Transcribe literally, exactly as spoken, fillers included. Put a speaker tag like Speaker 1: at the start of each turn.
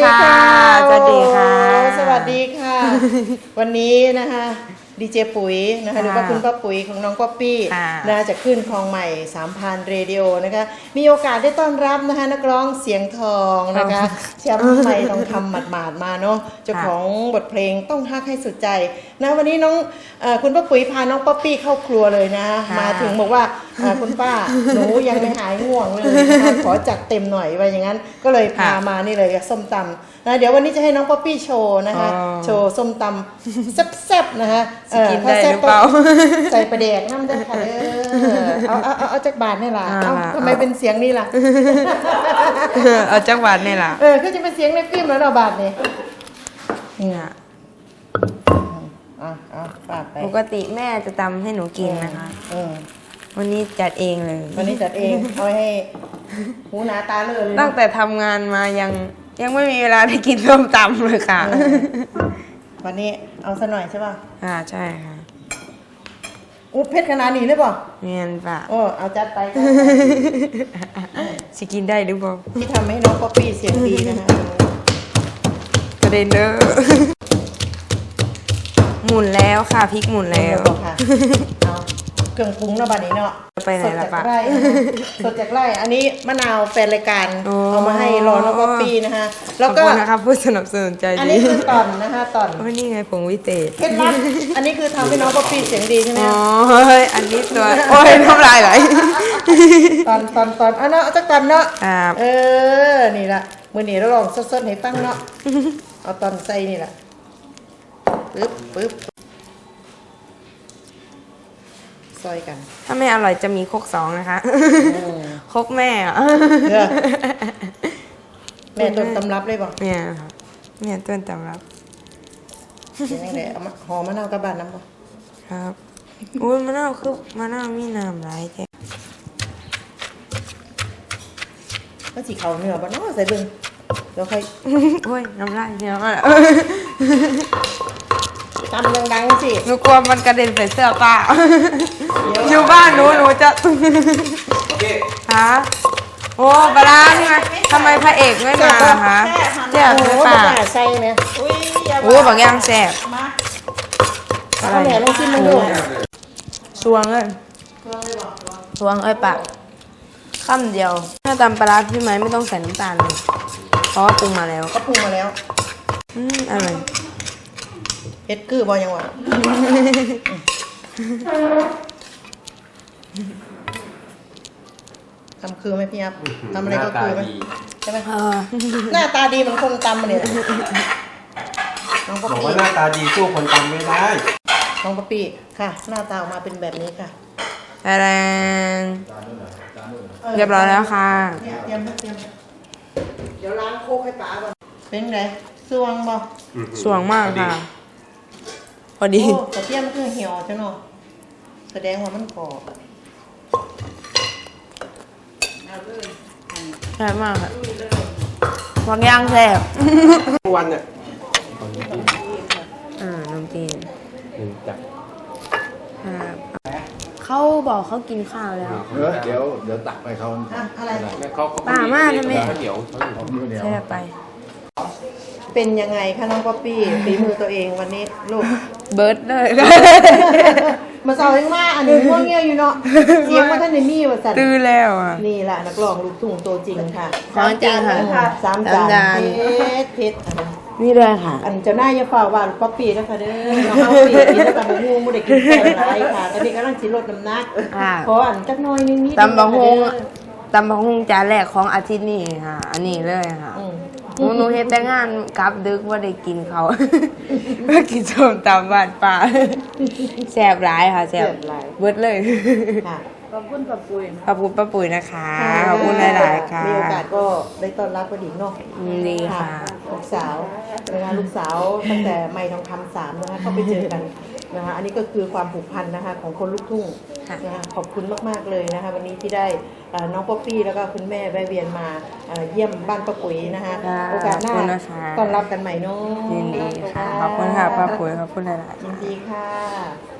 Speaker 1: ค่ะสวัสดีค่ะ
Speaker 2: สวัสดีค่ะวันนี้นะคะดีเจปุ๋ยนะคะหรือว่าคุณป้าปุ๋ยของน้องป๊อปปี้นะจะขึ้นคลองใหม่สามพันเรดิโอนะคะมีโอกาสได้ต้อนรับนะคะนักร้องเสียงทองนะคะแชมป์ใหม่ต้องทำหมาดๆมาเนาะเจ้าของบทเพลงต้องฮักให้สุดใจนะวันนี้น้องคุณป้าปุ๋ยพาน้องป๊อปปี้เข้าครัวเลยนะมาถึงบอกว่าคุณป้าหนูยังไม่หายง่วงเลยนะคะขอจัดเต็มหน่อยว่าอย่างนั้นก็เลยพามานี่เลยส้มตำนะเดี๋ยววันนี้จะให้น้องป๊อปปี้โชว์นะคะโชว์ส้มตำแซ่บๆนะคะ
Speaker 1: กินได้หรือเปล่า
Speaker 2: ใส่ประเดกน้ำได้ค่ะเออเอาเอาเอาเอาจากบาทนี่ล่ะเอาทำไมเป็นเสียงนี่ล่ะ
Speaker 1: เอาจากบาทนี่ล่ะ
Speaker 2: เออก็จะเป็นเสียงในฟิล์มแล้วเราบาทนี่นี่อ่ะอ่ะเอาบาทไป
Speaker 1: ปกติแม่จะตำให้หนูกินนะคะวันนี้จัดเองเลย
Speaker 2: วันนี้จัดเองเอาให้หูหนาตาเลย
Speaker 1: ตั้งแต่ทำงานมายังยังไม่มีเวลาได้กินส้มตำเลยค่ะ
Speaker 2: วันนี้เอาซะหน่อยใช่ป่ะ
Speaker 1: อ่าใช่ค่ะ
Speaker 2: อุ๊บเพชรขนาดนี้เลยป่ะ
Speaker 1: เมียนป่ะ
Speaker 2: โอ้เอาจัดไป
Speaker 1: สิกินได้หรือเปล่า
Speaker 2: ที่ทำให้น้องป๊อปปี้เสียงดีนะคะ
Speaker 1: ประเด็นเด้อหมุนแล้วค่ะพริกหมุนแล้ว
Speaker 2: ค่ะเอาเครื่องปรุงแล้วบัดนี้เนาะ
Speaker 1: ไปไหนล่ะปะ
Speaker 2: สดจากไร่อันนี้มะนาวแฟนรายการเอามาให้รอน้องป๊อปปี้นะคะ
Speaker 1: แล้วก็นะคะผู้สนับสนุนใจดี
Speaker 2: อันนี้คือตอนนะคะตอน
Speaker 1: ว่านี่ไงผงวิเศษ
Speaker 2: เคล็ดลับอันนี้คือทำให้น้องป๊อปปี้เสียงดีใช่ไหม
Speaker 1: อ๋อเฮ้ยอันนี้ตัวโอ้ยน้ำลายไหล
Speaker 2: ตอนตอนตอนเอาเนาะจักตอนเนาะเออนี่ละมือหนีเราลองสดๆให้ฟังเนาะเอาตอนใส่นี่แหละปึ๊บปึ๊บซอยกัน
Speaker 1: ถ้าไม่อร่อยจะมีครกสองนะคะครกแม่อะ
Speaker 2: แม่ต้นตำรับเลยบอก
Speaker 1: เนี่ยค่ะแม่ต้นตำรับ
Speaker 2: เป็นยังไงเอามาหอมมะนาวกับบ้านน้ำบ่
Speaker 1: ครับอุ้ยมะนาวคือมะนาวมีน้ำหลายแท้
Speaker 2: ก็สีเขาเนื้อบ้านเนาะใส่เบิ้งเดี๋ยวค่อย
Speaker 1: โอ้ยน้ำลายเยอะมาก
Speaker 2: ตำดังๆสิ
Speaker 1: หนูกลัวมันกระเด็นใส่เสื้อป้าอยู่บ้านหนูหนูจะฮะโอ้ปลาใช่ไหมทำไมพระเอกไม่มาคะแซ่บไหมป้า
Speaker 2: ใส่เนี่ย
Speaker 1: โอ้บางอย่างแซ่บ
Speaker 2: อะไรเนี่ยลองชิมมันดู
Speaker 1: สวงเลยสวงเอ้ยปากข้ามเดียวถ้าตำปลาพี่ไม้ไม่ต้องใส่น้ำตาลเลยเพราะว่าปรุงมาแล้ว
Speaker 2: ก็ปรุงมาแล้ว
Speaker 1: อืมอร่อย
Speaker 2: เฮ็ดคือบอยังวะทำคือไหมพี่ยับทำอะไรก็คือไหมใช่ไหมหน้าตาดีเหมือนคนตำมาเนี่ย
Speaker 3: น้องป๊อปปี้บอกว่าหน้าตาดีสู้คนตำไม่ได้
Speaker 2: น้องป๊อปปี้ค่ะหน้าตาออกมาเป็นแบบนี้ค่ะ
Speaker 1: แรง เรียบร้อยแล้วค่ะ
Speaker 2: เตรียมเตรียมเดี๋ยวล้างโคกให้ป๋าก่อนเป็นไงสวงบ่
Speaker 1: สวงมากค่ะพอดี
Speaker 2: โอ้กระเทียมคือเหี่ยวจ้ะเนาะแสดงว่ามันกรอบ
Speaker 1: แซ่บมากค่ะวางย่างแซ่บ
Speaker 3: วันเนี่ย
Speaker 1: อ่าน้ำจีน
Speaker 3: หนึ่งจับ
Speaker 1: เขาบอกเขากินข้าวแล้ว
Speaker 4: เดี๋ยวเดี๋ยวตักไปเขา
Speaker 2: อะไร
Speaker 1: ป่ามากนะแม่
Speaker 3: เดี๋ยว
Speaker 1: แซ่บไป
Speaker 2: เป็นยังไงคะน้องป๊อปปี้ฝีมือตัวเองวันนี้ลูก
Speaker 1: เบิร์ดเลย
Speaker 2: มาสาวยังมาอันนี้ง่วงเงี้ยอยู่เนาะเสียงมาท่านในมีว่าสัตว์
Speaker 1: ตื้อแล้วอ่ะ
Speaker 2: นี่แหละนักร้องลูกทุ่งตัวจริงค่ะ
Speaker 1: สามจริงค่ะ
Speaker 2: สามจานเพชรเพชร
Speaker 1: นี่เลยค่ะ
Speaker 2: อันเจ้าหน้ายาฝ่าว่าป๊อปปี้นะคะเด้อน้องป๊อปปี้กินแล้วกับมูมูได้กินแค่ไรค่ะตอนนี้กำลังชิลดน้ำหนักขออันจักน้อยนิดนิด
Speaker 1: ตำบักฮุงตำบักฮุงจานแรกของอาทิตย์นี้ค่ะอันนี้เลยค่ะหนูหนูเฮ็ดแต่งานกลับดึกว่าได้กินเขาเมื่อกินส้มตำบ้านป่าแซ่บหลายค่ะแซ่บเบิดเลย
Speaker 2: ขอบคุณป้าปุ๋ย
Speaker 1: ขอบคุณป้าปุ๋ยนะคะขอบคุณหลายๆค่ะ
Speaker 2: มีโอกาสก็ได้ต้อนรับพอดีเนาะ
Speaker 1: ดีค่ะ
Speaker 2: ลูกสาวนะคะลูกสาวตั้งแต่ไม่ทองคำสามนะคะเข้าไปเจอกันนะคะอันนี้ก็คือความผูกพันนะคะของคนลูกทุ่งนะคะขอบคุณมากๆเลยนะคะวันนี้ที่ได้น้องป๊อปปี้แล้วก็คุณแม่แวะเวียนมาเยี่ยมบ้านป้าปุ๋ยนะคะโอกาสหน้าต้อนรับกันใหม่เนาะ
Speaker 1: ยินดีค่ะขอบคุณค่ะป้าปุ๋ยขอบคุณหลายๆ
Speaker 2: ยินดีค่ะ